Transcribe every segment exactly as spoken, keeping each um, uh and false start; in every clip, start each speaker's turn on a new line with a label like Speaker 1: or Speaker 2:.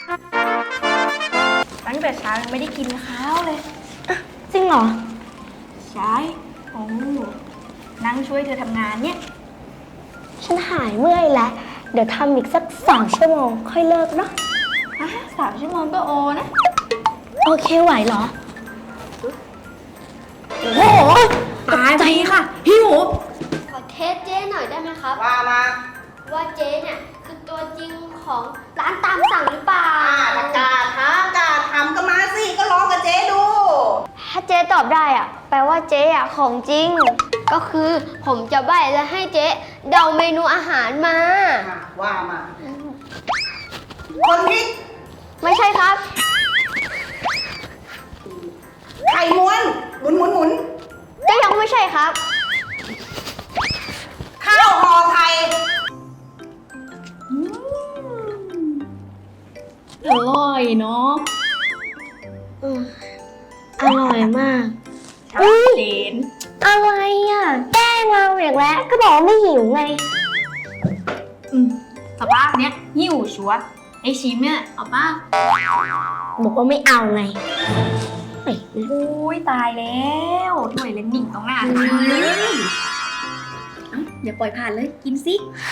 Speaker 1: ตั้งแต่เช้ายังไม่ได้กินข้าวเลย
Speaker 2: จริงเหรอ
Speaker 1: ใช่โอ้นั่งช่วยเธอทำงานเนี่ย
Speaker 2: ฉันหายเมื่อยแล้ว เดี๋ยวทำอีกสักสองชั่วโมงค่อยเลิกเนาะ
Speaker 1: อ่ะสามชั่วโมงก็โอนะ
Speaker 2: โอเคไหวเหรอ
Speaker 1: โอ้โหตายไปค่ะหิว
Speaker 3: ขอเทสเจ๊หน่อยได้ไหมครับ
Speaker 4: ว่ามา
Speaker 3: ว่าเจ๊เนี่ยคือตัวจริงของร้านตามสั่งหรือเปล่า
Speaker 4: อ่าถ้ากล้าท้ากล้าทำก็มาสิ ก็ลองกับเจ๊ดู
Speaker 3: ถ้าเจ๊ตอบได้อะแปลว่าเจ๊อะของจริง ก็คือผมจะใบ้แล้วให้เจ๊เดาเมนูอาหารมา
Speaker 4: อ่ะว่ามา คนพริก
Speaker 3: ไม่ใช่ครับ
Speaker 4: ไข่ม้วน หมุนหมุนหมุน
Speaker 3: ก็ยังไม่ใช่ครับ
Speaker 4: ข้าวห่อไข่
Speaker 1: อร่อยเนาะ
Speaker 2: อืมอร่อยมาก
Speaker 1: ชัดเจน
Speaker 2: อะไรอ่ะ แกล้งเราอีกแล้ว ก็บอกว่าไม่หิวไง
Speaker 1: อืมสภาพเนี้ยหิวชัวร์ไอชิมเนี่ยเอาป่ะ
Speaker 2: บอกว่าไม่เอาไงเฮ้ย
Speaker 1: อุ้ยตายแล้วถ้วยเล่นหนิ่งตรงหน้าเลยเอ้าเดี๋ยวปล่อยผ่านเลยกินสิ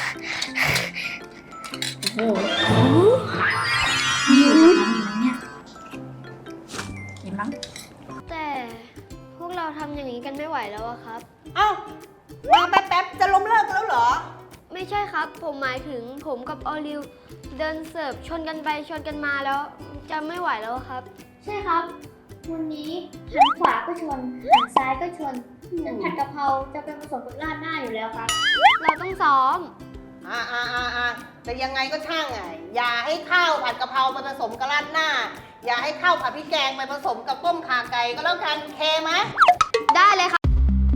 Speaker 1: โอ้โหหิวนะหิวเนี่ยกินมั้ง
Speaker 3: แต่พวกเราทำอย่างนี้กันไม่ไหวแล้วอะครับ
Speaker 4: เอ้า มาแป๊บๆ จะล้มเลิกกันแล้วเหรอ
Speaker 3: ไม่ใช่ครับ ผมหมายถึงผมกับออลิวเดินเสิร์ฟชนกันไปชนกันมาแล้วจะไม่ไหวแล้วครับ
Speaker 5: ใช่ครับ วันนี้หันขวาก็ชนหันซ้ายก็ชนแต่ผัดกะเพราจะเป็นผสมกับราดหน้าอยู่แล้วครับ
Speaker 3: เราต้องซ้อม
Speaker 4: อ่าอ่าอ่าอ่าแต่ยังไงก็ช่างไง อย่าให้ข้าวผัดกะเพราไปผสมกับราดหน้า อย่าให้ข้าวผัดพริกแกงไปผสมกับต้มข่าไก่ก็แล้วกันเคไหม
Speaker 3: ได้เลยครับ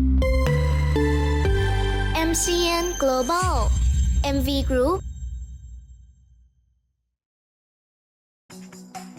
Speaker 6: เอ็ม ซี เอ็น Global เอ็ม วี Group